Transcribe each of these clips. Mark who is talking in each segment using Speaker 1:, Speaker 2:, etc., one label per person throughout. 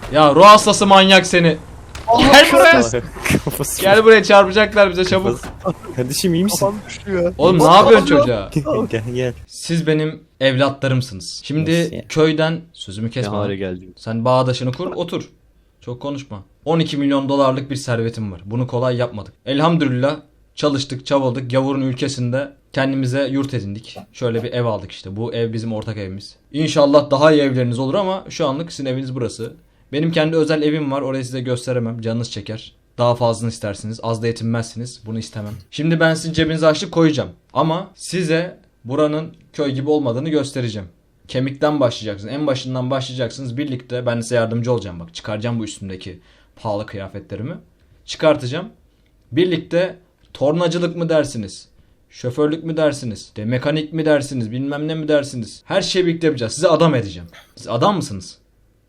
Speaker 1: Ya ruh hastası manyak seni. Gel buraya.
Speaker 2: Kafası.
Speaker 1: Gel buraya, çarpacaklar bize, çabuk.
Speaker 2: Kardeşim iyi misin?
Speaker 3: Kafam düşüyor.
Speaker 1: Oğlum ne yapıyorsun çocuğa?
Speaker 2: Gel gel.
Speaker 1: Siz benim evlatlarımsınız. Şimdi
Speaker 2: Nasıl ya?
Speaker 1: köyden sözümü
Speaker 4: Ne
Speaker 1: kesme.
Speaker 4: hale geldim.
Speaker 1: Sen bağdaşını kur, otur. Çok konuşma. 12 milyon dolarlık bir servetim var. Bunu kolay yapmadık. Elhamdülillah çalıştık, çabaladık. Gavurun ülkesinde kendimize yurt edindik. Şöyle bir ev aldık işte. Bu ev bizim ortak evimiz. İnşallah daha iyi evleriniz olur ama şu anlık sizin eviniz burası. Benim kendi özel evim var. Orayı size gösteremem. Canınız çeker. Daha fazlasını istersiniz. Az da yetinmezsiniz. Bunu istemem. Şimdi ben sizin cebinize açlık koyacağım. Ama size buranın köy gibi olmadığını göstereceğim. Kemikten başlayacaksınız. En başından başlayacaksınız. Birlikte ben size yardımcı olacağım. Bak çıkaracağım bu üstümdeki pahalı kıyafetlerimi. Çıkartacağım. Birlikte tornacılık mı dersiniz? Şoförlük mü dersiniz? De mekanik mi dersiniz? Bilmem ne mi dersiniz? Her şeyi birlikte yapacağız. Size adam edeceğim. Siz adam mısınız?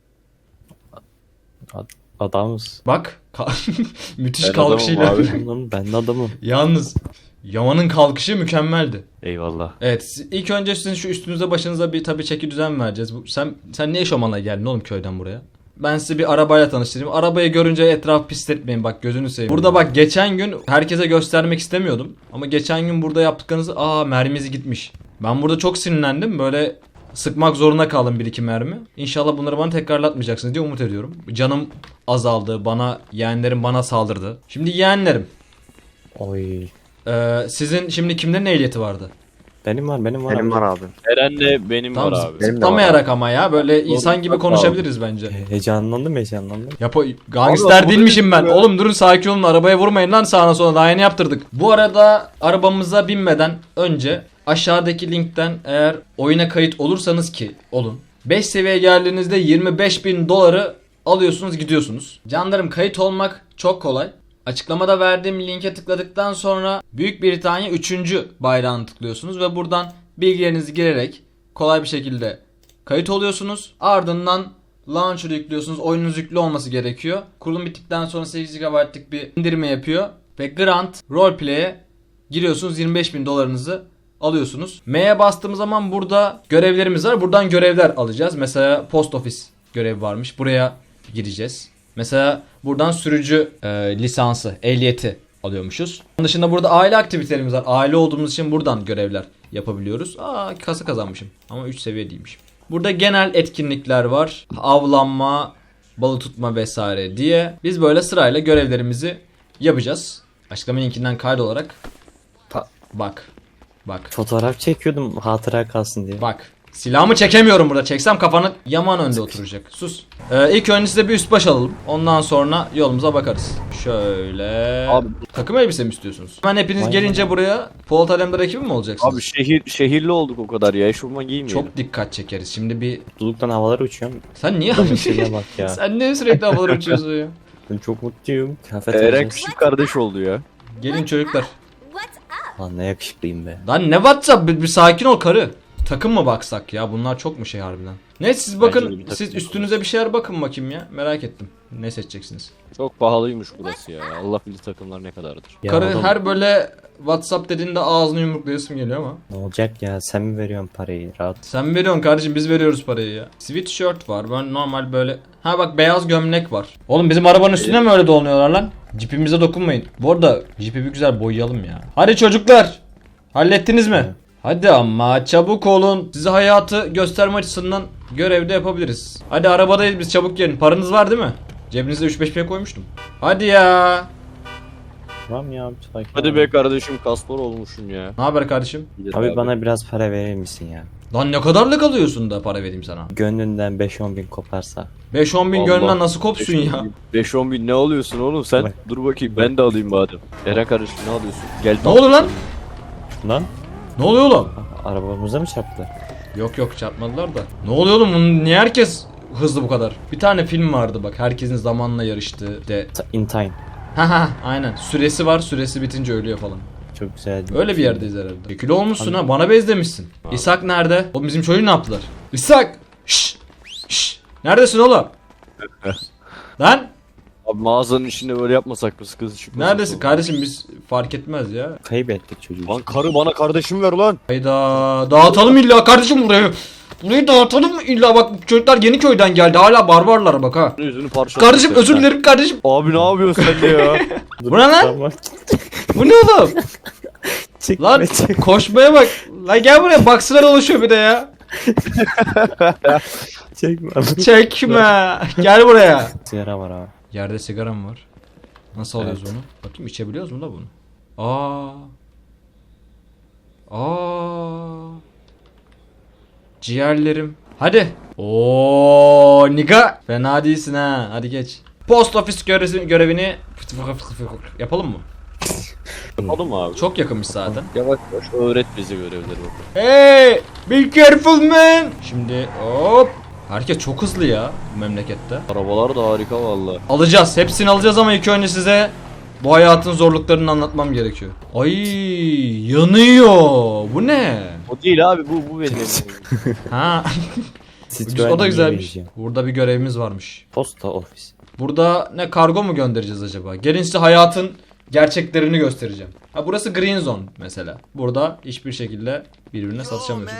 Speaker 2: Adamız.
Speaker 1: Bak. Müthiş
Speaker 4: Ben
Speaker 1: kalkışıyla.
Speaker 4: adamım abi.
Speaker 2: Adamım, ben de adamım.
Speaker 1: Yalnız Yaman'ın kalkışı mükemmeldi.
Speaker 4: Eyvallah.
Speaker 1: Evet, ilk önce sizin şu üstünüze başınıza bir tabii çeki düzen vereceğiz. Sen niye eşofmanla geldin oğlum köyden buraya? Ben sizi bir arabayla tanıştırayım. Arabayı görünce etrafı pisletmeyin, bak gözünü seveyim. Burada bak geçen gün herkese göstermek istemiyordum. Ama geçen gün burada yaptıklarınızı mermisi gitmiş. Ben burada çok sinirlendim. Böyle sıkmak zorunda kaldım bir iki mermi. İnşallah bunları bana tekrarlatmayacaksınız diye umut ediyorum. Canım azaldı. Yeğenlerim bana saldırdı. Şimdi yeğenlerim.
Speaker 2: Oy.
Speaker 1: Sizin şimdi kimlerin ehliyeti vardı?
Speaker 2: Benim var
Speaker 3: Benim
Speaker 2: abi.
Speaker 3: var abi.
Speaker 4: Eren'le benim
Speaker 1: Tamam,
Speaker 4: var abi.
Speaker 3: benim de
Speaker 1: zıplamayarak ama ya. Böyle insan gibi
Speaker 4: Sağ ol.
Speaker 1: konuşabiliriz bence.
Speaker 2: Heyecanlandım.
Speaker 1: Gangster
Speaker 3: Abi,
Speaker 1: değilmişim ben.
Speaker 3: bu ne?
Speaker 1: Oğlum durun, sakin olun, arabaya vurmayın lan sağına sola, daha yeni yaptırdık. Bu arada arabamıza binmeden önce aşağıdaki linkten eğer oyuna kayıt olursanız ki olun. 5 seviyeye geldiğinizde 25.000 doları alıyorsunuz, gidiyorsunuz. Canlarım, kayıt olmak çok kolay. Açıklamada verdiğim linke tıkladıktan sonra Büyük Britanya 3. bayrağını tıklıyorsunuz ve buradan bilgilerinizi girerek kolay bir şekilde kayıt oluyorsunuz. Ardından launcher'ı yüklüyorsunuz. Oyununuz yüklü olması gerekiyor. Kurulum bittikten sonra 8 GB'lık bir indirme yapıyor. Ve Grand Roleplay'e giriyorsunuz. 25.000 dolarınızı alıyorsunuz. M'ye bastığımız zaman burada görevlerimiz var. Buradan görevler alacağız. Mesela post office görevi varmış. Buraya gireceğiz. Mesela buradan sürücü lisansı, ehliyeti alıyormuşuz. Onun dışında burada aile aktivitelerimiz var. Aile olduğumuz için buradan görevler yapabiliyoruz. Kasa kazanmışım ama 3 seviye değilmişim. Burada genel etkinlikler var. Avlanma, balık tutma vesaire diye. Biz böyle sırayla görevlerimizi yapacağız. Açıklama linkinden kaydolarak. Bak.
Speaker 2: Fotoğraf çekiyordum hatıra kalsın diye.
Speaker 1: Bak. Silahımı çekemiyorum burada. Çeksem kafanı Yaman önde oturacak. Sus. İlk önce size bir üst baş alalım. Ondan sonra yolumuza bakarız. Şöyle.
Speaker 4: Abi.
Speaker 1: Takım elbise mi istiyorsunuz? Hemen hepiniz
Speaker 2: Vay
Speaker 1: gelince
Speaker 2: vay.
Speaker 1: buraya Polat Alemdar ekibi mi olacaksınız?
Speaker 4: Abi şehirli olduk o kadar ya. Eşofman giymeyelim.
Speaker 1: Çok dikkat çekeriz. Şimdi bir...
Speaker 2: Mutluluktan havalara uçuyorum.
Speaker 1: Sen niye...
Speaker 2: Adamın şeyine bak ya.
Speaker 1: Sen niye sürekli havalara uçuyorsun ya?
Speaker 2: Ben çok mutluyum. Kıyafet
Speaker 4: Eren
Speaker 2: alacağız.
Speaker 4: küçük kardeş oldu ya.
Speaker 1: Gelin çocuklar.
Speaker 2: Lan ne yakışıklıyım be.
Speaker 1: Lan ne WhatsApp? Bir sakin ol karı. Takım mı baksak ya? Bunlar çok mu şey harbiden? Neyse siz
Speaker 4: Bence de
Speaker 1: bakın.
Speaker 4: bir takım
Speaker 1: Siz
Speaker 4: bakalım.
Speaker 1: üstünüze bir şeyler bakın bakayım ya. Merak ettim. Ne seçeceksiniz?
Speaker 4: Çok pahalıymış burası ya. Allah bilir takımlar ne kadardır.
Speaker 2: Ya
Speaker 1: Karı
Speaker 2: oğlum,
Speaker 1: her böyle WhatsApp dediğinde ağzını yumruklayasım geliyor ama.
Speaker 2: ne olacak ya, sen mi veriyorsun parayı rahat.
Speaker 1: Sen mi veriyorsun kardeşim, biz veriyoruz parayı ya. Sweatshirt var, ben normal böyle. Ha bak, beyaz gömlek var. Oğlum bizim arabanın üstüne mi öyle dolanıyorlar lan? Cipimize dokunmayın. Bu arada cipi bir güzel boyayalım ya. Hadi çocuklar. Hallettiniz mi? Hadi ama çabuk olun. Size hayatı gösterme açısından görevde yapabiliriz. Hadi arabadayız biz, çabuk gelin. Paranız var değil mi? Cebinizde 3-5 bin koymuştum. Hadi ya.
Speaker 2: Tamam ya sakin
Speaker 4: Hadi
Speaker 2: ol.
Speaker 4: be kardeşim, kaspor olmuşum ya.
Speaker 1: Ne haber kardeşim?
Speaker 2: Abi bana biraz para verir misin ya?
Speaker 1: Lan ne kadarlık alıyorsun da para vereyim sana?
Speaker 2: Gönlünden 5-10 bin koparsa.
Speaker 1: 5-10 bin
Speaker 4: Allah.
Speaker 1: gönlünden nasıl kopsun ya?
Speaker 4: 5-10 bin ne alıyorsun oğlum sen?
Speaker 2: Bak.
Speaker 4: Dur bakayım ben de alayım madem. Eren kardeşim ne alıyorsun? Gel.
Speaker 1: Ne oldu lan?
Speaker 2: Lan
Speaker 1: Ne oluyor oğlum?
Speaker 2: arabamıza mı çarptı?
Speaker 1: Yok çarpmadılar da. Ne oluyor oğlum? Niye herkes hızlı bu kadar? Bir tane film vardı bak, herkesin zamanla yarıştığı de.
Speaker 2: In time.
Speaker 1: Ha aynen. Süresi var. Süresi bitince ölüyor falan.
Speaker 2: Çok güzel.
Speaker 1: Öyle bir yerdeyiz herhalde. Kilo olmuşsun ha. Bana benzemişsin. İshak nerede? O bizim çocuğu ne yaptılar? İshak! Şşş! Şşş! Neredesin oğlum? Lan!
Speaker 4: Abi mağazanın içinde böyle yapmasak mı, sıkıntı çıkmasın.
Speaker 1: Neredesin kardeşim, biz fark etmez ya.
Speaker 2: Kaybettik çocuğu.
Speaker 4: Lan karı bana kardeşim ver lan.
Speaker 1: Hayda, dağıtalım illa kardeşim burayı. Burayı dağıtalım mı illa, bak çocuklar Yeniköy'den geldi, hala barbarlar bak ha.
Speaker 4: Yüzünü parça.
Speaker 1: Kardeşim özür dilerim kardeşim.
Speaker 4: Abi ne yapıyorsun sen de ya?
Speaker 1: Bu ne lan?
Speaker 2: Tamam.
Speaker 1: Bu ne oğlum?
Speaker 2: Çekme,
Speaker 1: Lan
Speaker 2: çekme.
Speaker 1: koşmaya bak. Lan gel buraya, baksılar oluşuyor bir de ya.
Speaker 2: Çekme.
Speaker 1: Çekme. Gel buraya.
Speaker 2: Sigara var abi.
Speaker 1: Yerde sigaram var. Nasıl alıyoruz bunu? Bakayım içebiliyoruz mu da bunu? Aa. Aa. Ciğerlerim. Hadi. Oo, niga. Fena değilsin ha. Hadi geç. Post ofis görevini yapalım mı?
Speaker 4: Yapalım abi.
Speaker 1: Çok yakınmış zaten.
Speaker 4: Yavaş yavaş öğret bize görevleri bakalım.
Speaker 1: Hey, be careful man. Şimdi hop. Herkes çok hızlı ya bu memlekette.
Speaker 4: Arabalar da harika valla.
Speaker 1: Alacağız. Hepsini alacağız ama ilk önce size bu hayatın zorluklarını anlatmam gerekiyor. Ay, yanıyor. Bu ne?
Speaker 4: O değil abi, bu benim evim.
Speaker 1: Ha.
Speaker 2: Citroen
Speaker 1: O da güzelmiş.
Speaker 2: benziyor.
Speaker 1: Burada bir görevimiz varmış.
Speaker 2: Posta ofis.
Speaker 1: Burada ne, kargo mu göndereceğiz acaba? Gelin size hayatın gerçeklerini göstereceğim. Ha, burası Green Zone mesela. Burada hiçbir şekilde birbirine satışamıyorsun.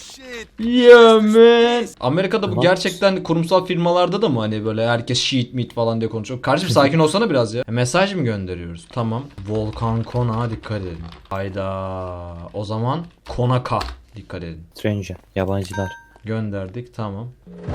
Speaker 1: Yeah man. Amerika'da bu
Speaker 2: Tamam.
Speaker 1: gerçekten kurumsal firmalarda da mı hani böyle herkes shit meat falan diye konuşuyor. Kardeşim sakin olsana biraz ya. Mesaj mı gönderiyoruz? Tamam. Volkan Konak'a dikkat edin. Hayda. O zaman Konak'a dikkat edin.
Speaker 2: Stranger. Yabancılar.
Speaker 1: Gönderdik, tamam.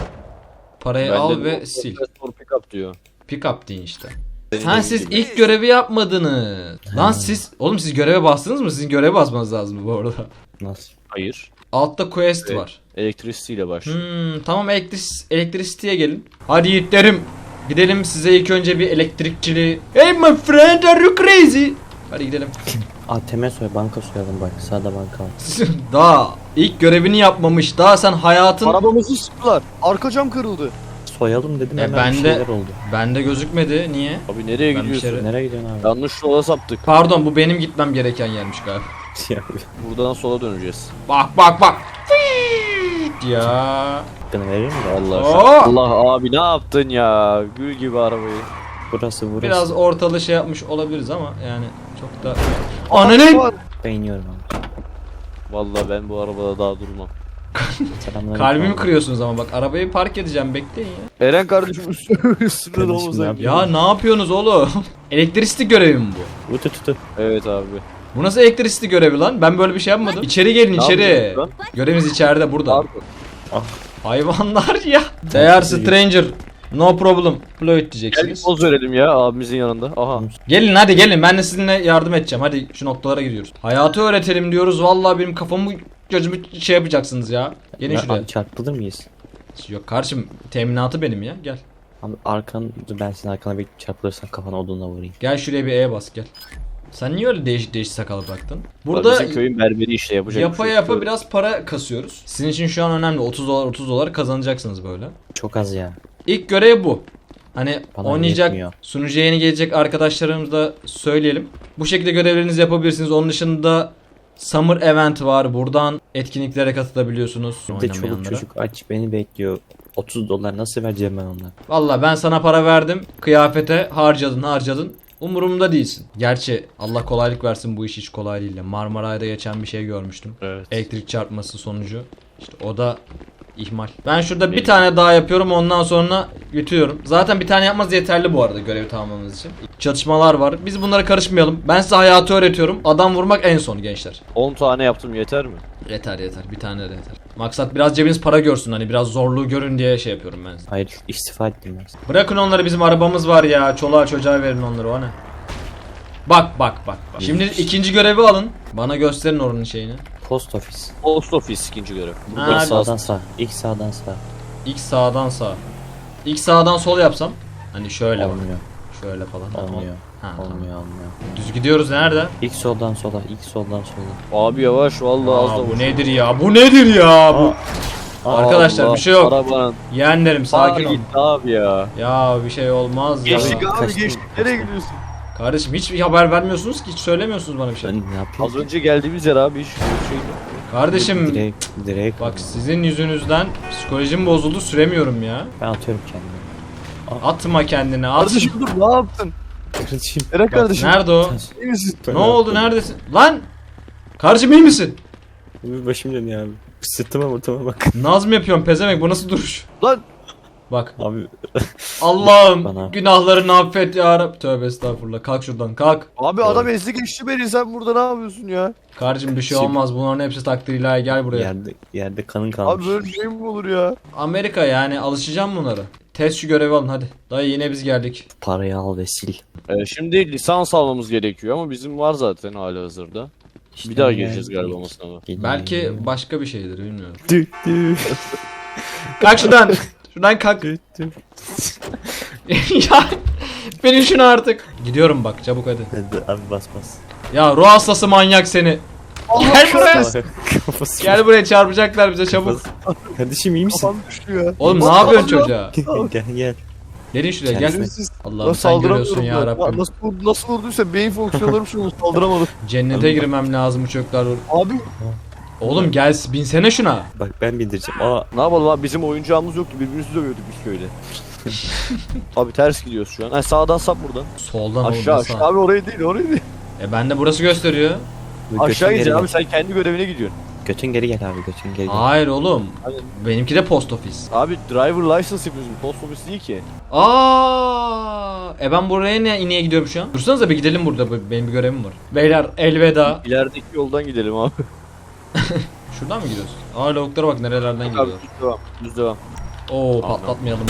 Speaker 1: Parayı
Speaker 4: Bende
Speaker 1: al
Speaker 4: de
Speaker 1: ve
Speaker 4: o-
Speaker 1: sil.
Speaker 4: Pick up diyor.
Speaker 1: Pick up deyin işte.
Speaker 4: Benim
Speaker 1: Ha,
Speaker 4: de
Speaker 1: siz
Speaker 4: bildiğim.
Speaker 1: ilk görevi yapmadınız. Lan siz, oğlum siz göreve bastınız mı? Sizin göreve basmanız lazım bu arada.
Speaker 2: Nasıl?
Speaker 4: Hayır.
Speaker 1: Altta quest
Speaker 4: Evet.
Speaker 1: var.
Speaker 4: Elektrisiyle başlıyor.
Speaker 1: Tamam, elektrisity'ye gelin. Hadi yiğitlerim. Gidelim size ilk önce bir elektrikçili. Hey my friend, are you crazy? Hadi gidelim.
Speaker 2: ATM soy, banka soyalım bak. Sağda banka var.
Speaker 1: Daha ilk görevini yapmamış. Daha sen hayatın...
Speaker 4: Arabamızı sıktılar. Arka cam kırıldı.
Speaker 2: Soyalım dedim hemen
Speaker 1: ben
Speaker 2: bir
Speaker 1: de-
Speaker 2: şeyler oldu.
Speaker 1: Bende gözükmedi. Niye?
Speaker 4: Abi nereye
Speaker 1: Ben bir
Speaker 4: gidiyorsun?
Speaker 1: şey-
Speaker 2: Nereye gidiyorsun abi?
Speaker 4: Yanlış yola saptık.
Speaker 1: Pardon, bu benim gitmem gereken yermiş galiba.
Speaker 4: Buradan sola döneceğiz.
Speaker 1: Bak bak bak. Fiiit ya.
Speaker 2: Hakkını verir mi?
Speaker 4: Allah
Speaker 1: Oo!
Speaker 4: Allah abi ne yaptın ya? Gül gibi arabayı.
Speaker 2: Burası.
Speaker 1: Biraz ortalığı şey yapmış olabiliriz ama yani çok da... Ananın!
Speaker 2: Beğeniyorum abi.
Speaker 4: Vallahi ben bu arabada daha durmam.
Speaker 2: Selamünaleyküm
Speaker 1: Kalbimi
Speaker 2: abi.
Speaker 1: kırıyorsunuz ama bak, arabayı park edeceğim, bekleyin ya.
Speaker 4: Eren kardeşim üstüne
Speaker 2: Kardeşim,
Speaker 4: domuza
Speaker 2: ne
Speaker 4: gidiyor.
Speaker 1: Ya ne yapıyorsunuz oğlum? Elektrikli görevi mi bu?
Speaker 2: Tutu.
Speaker 4: Evet abi.
Speaker 1: Bu nasıl elektrikli görevi lan? Ben böyle bir şey yapmadım. İçeri gelin,
Speaker 4: Ne
Speaker 1: içeri.
Speaker 4: yapıyorsun lan?
Speaker 1: Görevimiz içeride, burada.
Speaker 4: Pardon.
Speaker 1: Hayvanlar ya. They are stranger. No problem. Floyd
Speaker 4: Gel bir
Speaker 1: diyeceksiniz.
Speaker 4: poz verelim ya abimizin yanında. Aha.
Speaker 1: Gelin hadi gelin, ben de sizinle yardım edeceğim. Hadi şu noktalara gidiyoruz. Hayatı öğretelim diyoruz. Vallahi benim kafamı gözümü şey yapacaksınız ya. Gelin şuraya.
Speaker 2: Abi çarpılır mıyız?
Speaker 1: Yok kardeşim, teminatı benim ya, gel.
Speaker 2: Abi ben senin arkana bir çarpılırsan kafana odunla vurayım.
Speaker 1: Gel şuraya bir E bas, gel. Sen niye öyle değişik değişik sakalı bıraktın?
Speaker 4: Burada
Speaker 1: Burada
Speaker 4: bizim köyün berberi işte yapacak.
Speaker 1: yapa
Speaker 4: bir şey
Speaker 1: yapa
Speaker 4: yok.
Speaker 1: biraz para kasıyoruz. Sizin için şu an önemli. 30 dolar 30 dolar kazanacaksınız böyle.
Speaker 2: Çok az ya.
Speaker 1: İlk görev bu. Hani
Speaker 2: Bana
Speaker 1: oynayacak,
Speaker 2: yetmiyor.
Speaker 1: sunucuya yeni gelecek arkadaşlarımıza da söyleyelim. Bu şekilde görevlerinizi yapabilirsiniz. Onun dışında Summer Event var. Buradan etkinliklere katılabiliyorsunuz.
Speaker 2: Bir de çoluk
Speaker 1: Oynamayanlara.
Speaker 2: çocuk aç beni bekliyor. 30 dolar nasıl vereceğim ben onlara?
Speaker 1: Valla ben sana para verdim. Kıyafete harcadın. Umurumda değilsin. Gerçi Allah kolaylık versin, bu iş hiç kolay değil. Marmaray'da geçen bir şey görmüştüm.
Speaker 4: Evet.
Speaker 1: Elektrik çarpması sonucu. İşte o da ihmal. Ben şurada bir tane daha yapıyorum, ondan sonra bitiriyorum. Zaten bir tane yapmanız yeterli bu arada görevi tamamlamamız için. Çatışmalar var. Biz bunlara karışmayalım. Ben size hayatı öğretiyorum. Adam vurmak en son gençler.
Speaker 4: 10 tane yaptım yeter mi?
Speaker 1: Yeter. Bir tane de yeter. Maksat biraz cebiniz para görsün, hani biraz zorluğu görün diye şey yapıyorum ben size.
Speaker 2: Hayır, istifa ettim ben.
Speaker 1: Bırakın onları, bizim arabamız var ya. Çoluğa çocuğa verin onları, o ne? Bak. Şimdi ikinci görevi alın. Bana gösterin oranın şeyini.
Speaker 2: Post ofis.
Speaker 4: Post office ikinci görev.
Speaker 1: Ha,
Speaker 4: Burada
Speaker 2: İlk
Speaker 4: sağ.
Speaker 2: sağdan sağ. İlk sağdan sağ.
Speaker 1: İlk sağdan sağ. İlk sağdan sol yapsam. Hani şöyle bak.
Speaker 2: Olmuyor.
Speaker 1: Şöyle falan.
Speaker 2: Olmuyor.
Speaker 1: Ha, tamam.
Speaker 2: Olmuyor.
Speaker 1: Düz gidiyoruz, nerede?
Speaker 2: İlk soldan sola. İlk soldan sola.
Speaker 4: Abi yavaş vallahi az da
Speaker 1: Aa, bu
Speaker 4: vur.
Speaker 1: nedir ya? Bu nedir ya? Bu arkadaşlar
Speaker 4: Allah,
Speaker 1: bir şey yok.
Speaker 4: Arabanın.
Speaker 1: Yeğenlerim sakin ol.
Speaker 4: Gitti abi ya.
Speaker 1: Ya bir şey olmaz ya.
Speaker 4: Geçtik abi
Speaker 2: kaçtım.
Speaker 4: geçtik. Nereye gidiyorsun?
Speaker 1: Kardeşim hiç haber vermiyorsunuz ki, hiç söylemiyorsunuz bana bir şey.
Speaker 2: Ben ne yapayım?
Speaker 4: Az önce geldiğimiz yer abi hiç şey yok.
Speaker 1: Kardeşim
Speaker 2: Direkt.
Speaker 1: bak, sizin yüzünüzden psikolojim bozuldu, süremiyorum ya.
Speaker 2: Ben atıyorum kendimi.
Speaker 1: Atma kendini at.
Speaker 3: Kardeşim dur ne yaptın?
Speaker 2: Kardeşim.
Speaker 3: Eren kardeşim.
Speaker 1: Nerede o?
Speaker 3: İyi misin?
Speaker 1: Ne oldu neredesin? Lan! Kardeşim iyi misin?
Speaker 2: Bir başım dönüyor abi. Sırtıma ortama bak.
Speaker 1: Naz mı yapıyorsun pezevenk bu nasıl duruş?
Speaker 3: Lan
Speaker 1: Bak.
Speaker 2: Abi
Speaker 1: Allah'ım
Speaker 2: Bana.
Speaker 1: günahlarını affet ya Rab. Tövbe estağfurullah. Kalk şuradan kalk.
Speaker 3: abi adam ezdi geçti beni, sen burada ne yapıyorsun ya?
Speaker 1: Kardeşim bir şey olmaz. Bunların hepsi takdir ilahi. Gel buraya.
Speaker 2: yerde kanın kalmış.
Speaker 3: Abi böyle şey mi olur ya?
Speaker 1: Amerika yani alışacağım bunlara. Test şu görevi alın hadi. Dayı yine biz geldik.
Speaker 2: Parayı al ve sil.
Speaker 4: Şimdi lisans almamız gerekiyor ama bizim var zaten halihazırda. Bir daha geleceğiz galiba o sınava.
Speaker 1: Belki başka bir şeydir bilmiyorum.
Speaker 2: Dü dü.
Speaker 1: Kalk şuradan. Şuradan kalk.
Speaker 2: Dü dü.
Speaker 1: Ya benim şunu artık. Gidiyorum bak çabuk hadi.
Speaker 2: Hadi abi bas bas.
Speaker 1: Ya ruh hastası manyak seni. Gel buraya.
Speaker 2: Kafası.
Speaker 1: Gel buraya çarpacaklar bize çabuk.
Speaker 2: Kardeşim iyi misin?
Speaker 3: Kafam düştü ya.
Speaker 1: Oğlum ne yapıyorsun çocuğa?
Speaker 2: Gel gel.
Speaker 1: Gelin şuraya gel.
Speaker 2: Kendisi-
Speaker 1: Allah'ım sen görüyorsun ya Rabbim.
Speaker 3: Nasıl vurduysa beyin fonksiyonlarım şu an saldıramadım.
Speaker 1: Cennete girmem lazım bu çocuklar.
Speaker 3: Abi
Speaker 1: Oğlum gel binsene şuna.
Speaker 2: Bak ben bindireceğim. Aa
Speaker 4: Ne yapalım abi, bizim oyuncağımız yoktu, birbirimizi dövüyorduk biz köyde. Abi ters gidiyoruz şu an. Ha, sağdan sap buradan.
Speaker 1: Soldan
Speaker 4: Aşağı,
Speaker 1: oğlum,
Speaker 4: aşağı.
Speaker 1: sağ.
Speaker 3: abi orayı değil orayı değil.
Speaker 1: Ben de burası gösteriyor.
Speaker 2: götün
Speaker 4: Aşağı
Speaker 2: geri
Speaker 4: gideceksin
Speaker 2: gel.
Speaker 4: abi, sen kendi görevine gidiyorsun.
Speaker 2: Götün geri gel abi götün geri gel.
Speaker 1: Hayır oğlum.
Speaker 4: Hadi.
Speaker 1: Benimki de post office.
Speaker 4: Abi driver license yapıyorsun, post office değil ki.
Speaker 1: Ben buraya niye gidiyorum şu an? Dursanıza bir gidelim burada. Benim bir görevim var. Beyler elveda.
Speaker 4: İlerideki yoldan gidelim abi.
Speaker 1: Şuradan mı gidiyoruz? Lavuklara bak nerelerden
Speaker 4: Abi
Speaker 1: gidiyorlar.
Speaker 4: düz devam, düz devam.
Speaker 1: Oo patlatmayalım.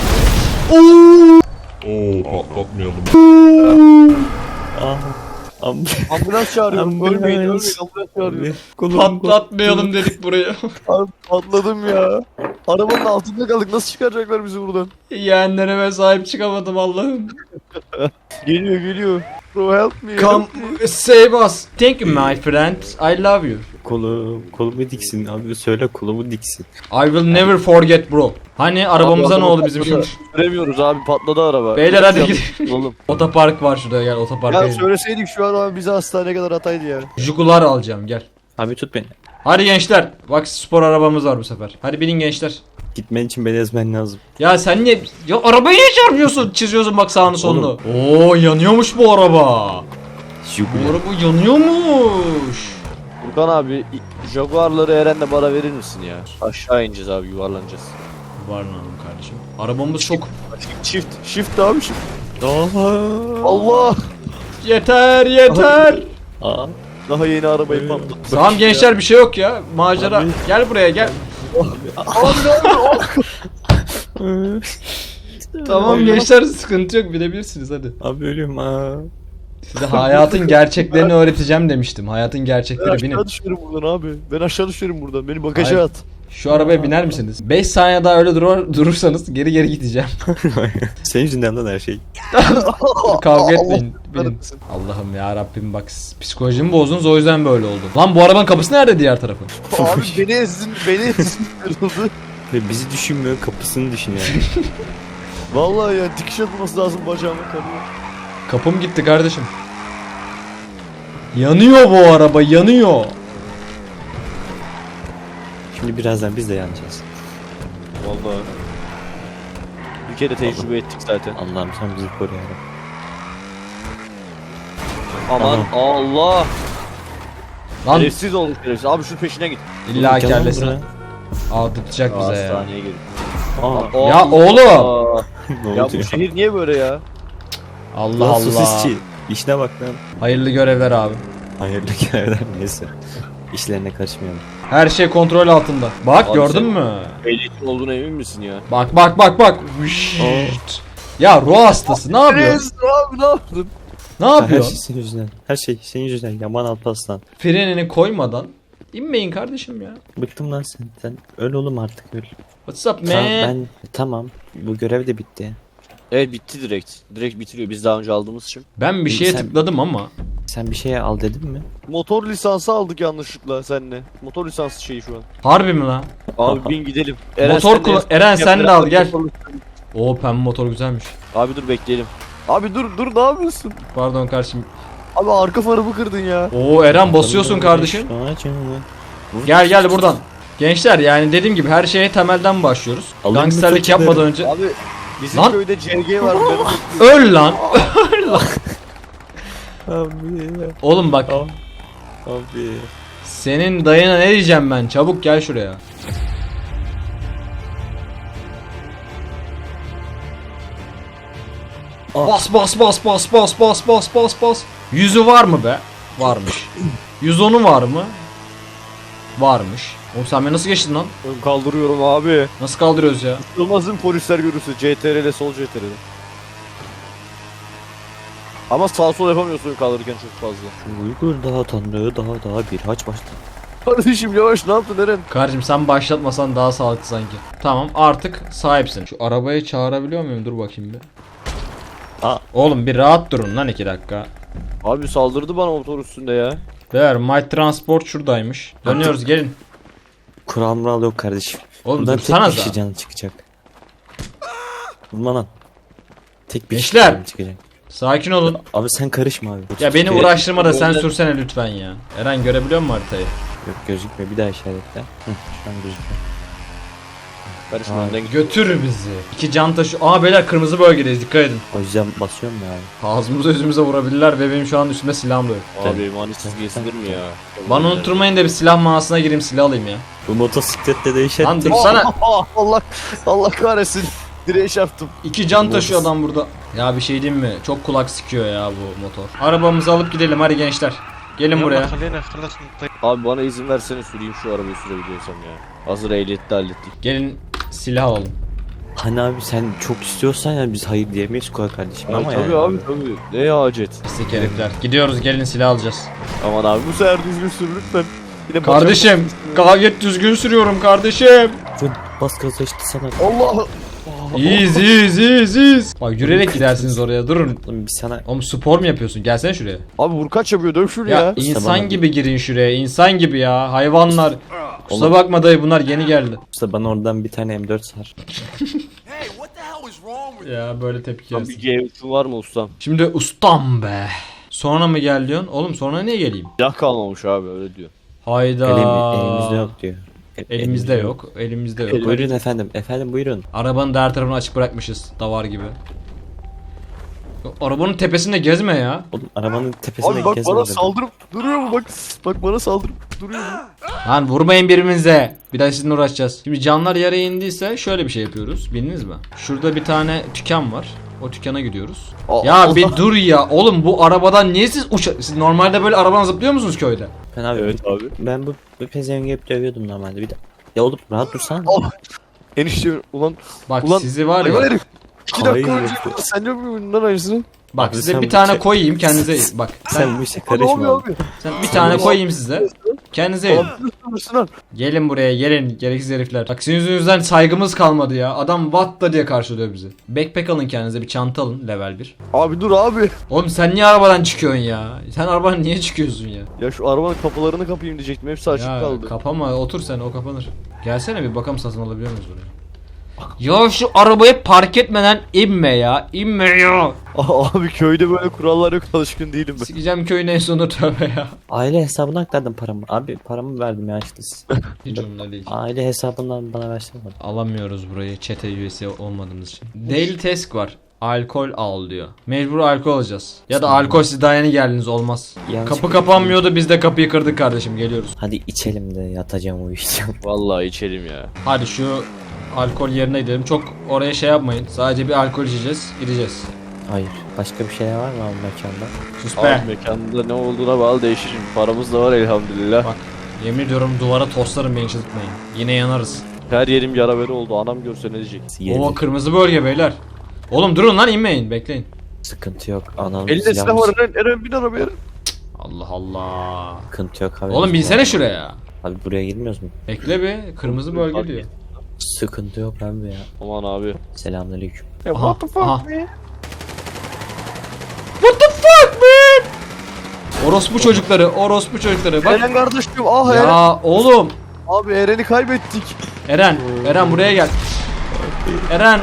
Speaker 2: Aa.
Speaker 3: Ambulans çağırıyorum.
Speaker 2: Ambulans.
Speaker 3: Ölmeyin ambulans çağırıyorum.
Speaker 1: Patlatmayalım dedik burayı.
Speaker 3: Abi patladım ya. Arabanın altında kaldık, nasıl çıkaracaklar bizi buradan?
Speaker 1: Yeğenlerime sahip çıkamadım Allah'ım.
Speaker 3: Geliyor geliyor. Bro help me.
Speaker 1: Come save us. Thank you my friend. I love you.
Speaker 2: Kolumu diksin abi söyle kolumu diksin.
Speaker 1: I will never forget bro. Hani arabamıza ne oldu bizim şimdi?
Speaker 4: Süremiyoruz abi, patladı araba.
Speaker 1: Beyler hadi gidelim.
Speaker 4: Oğlum.
Speaker 1: Otopark var şurada gel otoparka
Speaker 3: Ya
Speaker 1: gidelim.
Speaker 3: söyleseydik şu an abi bize hastaneye kadar ataydı ya.
Speaker 1: Jugular alacağım gel.
Speaker 2: Abi tut beni.
Speaker 1: Hadi gençler. Bak spor arabamız var bu sefer. Hadi binin gençler.
Speaker 2: Gitmen için beni ezmen lazım.
Speaker 1: Ya sen niye... Ya arabayı niye çarpıyorsun? Çiziyorsun bak sağını solunu. Oo yanıyormuş bu araba. Bu
Speaker 2: Jugular.
Speaker 1: araba yanıyormuş.
Speaker 4: Furkan abi, Jaguar'ları Eren'le bana verir misin ya? Aşağı ineceğiz abi, yuvarlanacağız.
Speaker 1: Var hanım kardeşim. Arabamız çok...
Speaker 3: Shift abi shift.
Speaker 2: Aa.
Speaker 3: Allah.
Speaker 1: Yeter yeter.
Speaker 2: Aa.
Speaker 3: Daha yeni arabayı patlattı.
Speaker 1: Tamam gençler bir şey yok ya. Macera.
Speaker 2: Abi.
Speaker 1: Gel buraya gel.
Speaker 3: Abi ne oldu?
Speaker 1: Tamam gençler sıkıntı yok bilebilirsiniz hadi.
Speaker 2: Abi ölüyorum aa.
Speaker 1: Size hayatın gerçeklerini öğreteceğim demiştim. Hayatın
Speaker 3: Ben
Speaker 1: gerçekleri binin.
Speaker 3: aşağı düşerim buradan abi. Ben aşağı düşerim buradan. Beni bagaja
Speaker 1: Hayır.
Speaker 3: at.
Speaker 1: Şu arabaya biner misiniz? 5 saniye daha öyle durursanız geri gideceğim.
Speaker 2: Senin yüzünden lan her şey.
Speaker 1: Kavga etmeyin.
Speaker 3: Allah
Speaker 1: Binin. Allah'ım ya Rabbim bak psikolojimi bozdunuz o yüzden böyle oldu. Lan bu arabanın kapısı nerede diğer tarafı?
Speaker 3: Abi beni ezdin. Beni ezdin. Kırıldı.
Speaker 2: Ve bizi düşünmüyor kapısını düşünüyor.
Speaker 3: Vallahi ya dikiş atılması lazım bacağıma kanıyor.
Speaker 1: Kapım gitti kardeşim. Yanıyor bu araba yanıyor.
Speaker 2: Şimdi birazdan biz de yanacağız.
Speaker 4: Vallahi. Bir kere tecrübe ettik zaten.
Speaker 2: Allah'ım sen bizi koru ya.
Speaker 4: Aman Allah.
Speaker 1: Lan
Speaker 4: Şerefsiz olduk şerefsiz. Abi şu peşine git.
Speaker 1: illa
Speaker 2: Gel lan
Speaker 1: kellesine.
Speaker 2: buraya.
Speaker 1: Tutacak bize ya.
Speaker 4: Hastaneye gir.
Speaker 2: Aa.
Speaker 1: Ya oğlum.
Speaker 4: Aa.
Speaker 2: Ne
Speaker 4: Ya
Speaker 2: oldu
Speaker 4: bu
Speaker 2: ya?
Speaker 4: şehir niye böyle ya?
Speaker 1: Allah
Speaker 2: Lan
Speaker 1: Allah.
Speaker 2: sosisçi. İşine bak lan.
Speaker 1: Hayırlı görevler abi.
Speaker 2: Hayırlı görevler neyse. İşlerine karışmayalım.
Speaker 1: Her şey kontrol altında. Bak
Speaker 4: Abi
Speaker 1: gördün
Speaker 4: sen-
Speaker 1: mü?
Speaker 4: Ehliyetin olduğuna emin misin ya?
Speaker 1: Bak bak bak bak. Vışşt. Ya ruh hastası ne yapıyorsun?
Speaker 3: Ezdin abi ne yaptın?
Speaker 1: Ne
Speaker 2: Her şey
Speaker 1: yapıyorsun?
Speaker 2: senin yüzünden. Her şey senin yüzünden. Yaman Alparslan.
Speaker 1: Frenini koymadan inmeyin kardeşim ya.
Speaker 2: Bıktım lan senden. Öl oğlum artık öl.
Speaker 1: What's up
Speaker 2: Tamam,
Speaker 1: man?
Speaker 2: tamam. Bu görev de bitti.
Speaker 4: Evet bitti direkt. Direkt bitiriyor biz daha önce aldığımız için.
Speaker 1: Ben bir şeye
Speaker 2: Sen-
Speaker 1: tıkladım ama.
Speaker 2: Sen bir şeye al dedin mi?
Speaker 3: Motor lisansı aldık yanlışlıkla seninle. Motor lisansı şeyi şu an.
Speaker 1: Harbi mi lan?
Speaker 4: Abi bin gidelim.
Speaker 1: Motor
Speaker 4: sen de-
Speaker 1: Eren sen de al gel.
Speaker 3: Motor-
Speaker 1: Oo pembe motor güzelmiş.
Speaker 4: Abi dur bekleyelim.
Speaker 3: Abi dur ne yapıyorsun?
Speaker 1: Pardon kardeşim.
Speaker 3: Abi arka farımı kırdın ya.
Speaker 1: Oo Eren basıyorsun kardeşim. Gel gel buradan. Gençler yani dediğim gibi her şeye temelden başlıyoruz.
Speaker 2: Alın
Speaker 1: Gangsterlik
Speaker 2: mı topları?
Speaker 1: yapmadan önce.
Speaker 3: Abi
Speaker 4: Bizim
Speaker 1: Lan!
Speaker 4: köyde CG var.
Speaker 1: Öl lan.
Speaker 2: Abi.
Speaker 1: Oğlum bak.
Speaker 2: Abi.
Speaker 1: Senin dayına ne diyeceğim ben? Çabuk gel şuraya. Bas bas bas bas bas bas bas bas bas. Yüzü var mı be? Varmış. 110'u var mı? Varmış. Oğlum sen beni nasıl geçtin lan?
Speaker 4: Ben kaldırıyorum abi.
Speaker 1: Nasıl kaldırıyoruz ya?
Speaker 4: Olmazın polisler görürse CTRL sol CTRL. Ama sağ sol yapamıyorsun kaldırırken çok fazla.
Speaker 2: Uygur daha tanrı daha bir haç başladı.
Speaker 4: Kardeşim yavaş ne yaptın Eren?
Speaker 1: Kardeşim sen başlatmasan daha sağlıklı sanki. Tamam artık sahipsin. Şu arabayı çağırabiliyor muyum? Dur bakayım bir.
Speaker 2: Aa.
Speaker 1: Oğlum bir rahat durun lan 2 dakika.
Speaker 4: Abi saldırdı bana motor üstünde ya.
Speaker 1: Beyler My Transport şuradaymış. Dönüyoruz gelin.
Speaker 2: Kural mural yok kardeşim.
Speaker 1: Oğlum
Speaker 2: Buradan tek
Speaker 1: dursana
Speaker 2: bir kişi
Speaker 1: da.
Speaker 2: canı çıkacak. Vurma lan. Tek bir kişi
Speaker 1: Gençler!
Speaker 2: canı çıkacak.
Speaker 1: Sakin olun.
Speaker 2: Abi sen karışma abi.
Speaker 1: Ya beni
Speaker 2: Yok,
Speaker 1: uğraştırma da sen sürsene lütfen ya. Eren görebiliyor musun haritayı?
Speaker 2: gözükmüyor bir daha işaretle. Şu an gözüküyor.
Speaker 4: Karışma
Speaker 2: Abi.
Speaker 4: önden git.
Speaker 1: Götür bizi. 2 can taşı. Aa beyler kırmızı bölgedeyiz dikkat edin.
Speaker 2: O yüzden basıyorum ya abi.
Speaker 1: Ağzımıza yüzümüze vurabilirler ve benim şu an üstümde silahım da yok.
Speaker 4: Abi emanetsiz giysilir mi ya?
Speaker 1: Bana unutturmayın da bir silah mağazasına gireyim silah alayım ya.
Speaker 2: Bu motosikletle değişen
Speaker 1: Lan dursana.
Speaker 4: Allah kahretsin. Direğe çarptım.
Speaker 1: 2 can taşıyor adam burada. Ya bir şey diyeyim mi? Çok kulak sıkıyor ya bu motor. Arabamızı alıp gidelim hadi gençler. Gelin buraya.
Speaker 4: Abi bana izin versene süreyim şu arabayı sürebiliyorsam ya. Hazır ehliyette hallettik.
Speaker 1: Gelin silah alalım.
Speaker 2: Hani abi sen çok istiyorsan ya biz hayır diyemeyiz Koa kardeşim ama
Speaker 4: Tabii
Speaker 2: yani.
Speaker 4: abi tabii. Ne hacet.
Speaker 1: Pislik herifler. Gidiyoruz gelin silah alacağız.
Speaker 4: Aman abi bu sefer düzgün sür lütfen. Yine
Speaker 1: Kardeşim gayet düzgün sürüyorum kardeşim.
Speaker 2: Bas gaza işte sana.
Speaker 4: Allah.
Speaker 1: İyiyiz. Bak yürüyerek gidersiniz oraya durun.
Speaker 2: Oğlum biz sana
Speaker 1: Oğlum spor mu yapıyorsun? Gelsene şuraya.
Speaker 4: Abi vurkaç yapıyor döv şunu
Speaker 1: Ya
Speaker 4: ya.
Speaker 1: insan
Speaker 2: bana-
Speaker 1: gibi girin şuraya. İnsan gibi ya. Hayvanlar. Kusura bakma dayı bunlar yeni geldi.
Speaker 2: işte bana oradan bir tane M4 sar.
Speaker 1: Ya böyle tepki
Speaker 4: Abi
Speaker 1: yersin.
Speaker 4: G3'ün var mı ustam?
Speaker 1: Şimdi ustam be. Sonra mı gel diyorsun? Oğlum sonra niye geleyim?
Speaker 4: Silah kalmamış abi öyle diyor.
Speaker 1: Hayda.
Speaker 2: Elimizde yok diyor.
Speaker 1: Elimizde yok. Elimizde yok.
Speaker 2: Buyurun efendim. Efendim buyurun.
Speaker 1: Arabanın diğer tarafını açık bırakmışız. Davar gibi. Arabanın tepesinde gezme ya.
Speaker 2: Oğlum arabanın tepesine
Speaker 4: Abi bak
Speaker 2: gezme
Speaker 4: bana
Speaker 2: dedim.
Speaker 4: saldırıp duruyor mu bak. Bak bana saldırıp duruyor mu?
Speaker 1: Lan vurmayın birbirimize. Bir daha sizinle uğraşacağız. Şimdi canlar yere indiyse şöyle bir şey yapıyoruz. Bildiniz mi? Şurada bir tane tüken var. O dükkana gidiyoruz. Ya
Speaker 4: Allah.
Speaker 1: bir dur ya. Oğlum bu arabadan niye siz siz normalde böyle arabadan zıplıyor musunuz köyde?
Speaker 2: Ben abi,
Speaker 4: Evet abi.
Speaker 2: ben bu pezevengi hep dövüyordum normalde bir de. Ya oğlum rahat dursana.
Speaker 4: Oh. Enişte ulan.
Speaker 1: Bak
Speaker 4: Ulan,
Speaker 1: sizi var
Speaker 4: Hayvan
Speaker 1: ya.
Speaker 4: herif. 2 dakika
Speaker 2: Hayır.
Speaker 4: önce sen yok muydun lan aynısını?
Speaker 1: Bak
Speaker 2: Abi
Speaker 1: size
Speaker 2: sen
Speaker 1: bir
Speaker 2: bu
Speaker 1: tane
Speaker 2: şey-
Speaker 1: koyayım kendinize. Bak
Speaker 2: Sen bu işe
Speaker 4: Ne
Speaker 2: karışma.
Speaker 4: oluyor abi?
Speaker 1: sen bir tane koyayım size. Kendinize yiyin.
Speaker 4: Abi
Speaker 1: Gelin buraya gelin gereksiz herifler. Bak sizin yüzünüzden saygımız kalmadı ya. Adam what da diye karşılıyor bizi. Backpack alın kendinize bir çanta alın level 1.
Speaker 4: Abi dur abi.
Speaker 1: Oğlum sen niye arabadan çıkıyorsun ya? Sen arabadan niye çıkıyorsun ya?
Speaker 4: Ya şu arabanın kapılarını kapayım diyecektim. Hepsi açık
Speaker 1: Ya
Speaker 4: kaldı.
Speaker 1: kapama otur sen o kapanır. Gelsene bir bakalım satın alabiliyor muyuz buraya? Ya şu arabayı park etmeden inme ya. İnme ya.
Speaker 4: Abi köyde böyle kurallar yok alışkın değilim ben.
Speaker 1: Sikeceğim köyün en sonu tövbe ya.
Speaker 2: Aile hesabına aktardım paramı. Abi paramı verdim ya işte.
Speaker 1: Hiç umurumda değil.
Speaker 2: Aile hesabından bana versene.
Speaker 1: Alamıyoruz burayı çete üyesi olmadığımız için. Daily task var. Alkol al diyor. Mecbur alkol alacağız. Ya da alkol siz daha yeni geldiniz olmaz.
Speaker 2: Yanlış
Speaker 1: Kapı
Speaker 2: bir-
Speaker 1: kapanmıyordu biz de kapıyı kırdık kardeşim geliyoruz.
Speaker 2: Hadi içelim de yatacağım uyuyacağım.
Speaker 4: Vallahi içelim ya.
Speaker 1: Hadi şu alkol yerine gidelim. Çok oraya şey yapmayın. Sadece bir alkol içeceğiz. Gideceğiz.
Speaker 2: Hayır. Başka bir şeyler var mı abi mekanda?
Speaker 1: Sus
Speaker 4: Abi
Speaker 1: be.
Speaker 4: mekanda ne olduğuna bağlı değişir. Paramız da var elhamdülillah.
Speaker 1: Bak yemin ediyorum duvara toslarım beni çıldırtmayın. Yine yanarız.
Speaker 4: Her yerim yara bere oldu. Anam görse ne diyecek?
Speaker 1: Oo kırmızı bölge beyler. Oğlum durun lan inmeyin bekleyin.
Speaker 2: Sıkıntı yok. Anam
Speaker 4: Elinde silah var Eren bin arabaya.
Speaker 1: Allah Allah.
Speaker 2: Sıkıntı yok abi.
Speaker 1: Oğlum binsene şuraya.
Speaker 2: Abi buraya girmiyoruz mu?
Speaker 1: Bekle bir kırmızı bölge diyor.
Speaker 2: Sıkıntı yok abi ya.
Speaker 4: Aman abi.
Speaker 2: Selamünaleyküm.
Speaker 1: Aha, aha. What the fuck man? Orospu çocukları, orospu çocukları. Bak.
Speaker 4: Eren kardeşim ah Eren.
Speaker 1: Ya oğlum.
Speaker 4: Abi Eren'i kaybettik.
Speaker 1: Eren buraya gel. Eren.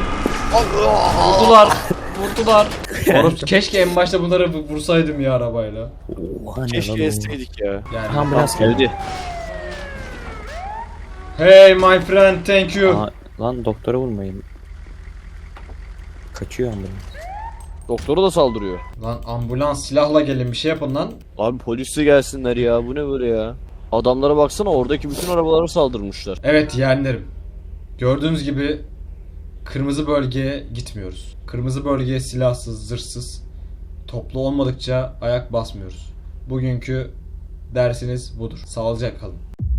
Speaker 1: Vurdular. Orospu keşke en başta bunları vursaydım ya arabayla.
Speaker 2: Oha ne
Speaker 4: Keşke
Speaker 2: lan
Speaker 4: ezseydik ya.
Speaker 1: Yani.
Speaker 2: Ambulans geldi.
Speaker 4: Geldi.
Speaker 1: Hey my friend, thank you.
Speaker 2: Aa, lan doktora vurmayın. Kaçıyor ambulans.
Speaker 4: Doktora da saldırıyor.
Speaker 1: Lan ambulans silahla gelin bir şey yapın lan.
Speaker 4: Abi polisi gelsinler ya. Bu ne böyle ya? Adamlara baksana, oradaki bütün arabalara saldırmışlar.
Speaker 1: Evet yeğenlerim. Gördüğünüz gibi kırmızı bölgeye gitmiyoruz. Kırmızı bölgeye silahsız, zırhsız, toplu olmadıkça ayak basmıyoruz. Bugünkü dersiniz budur. Sağlıcakla kalın.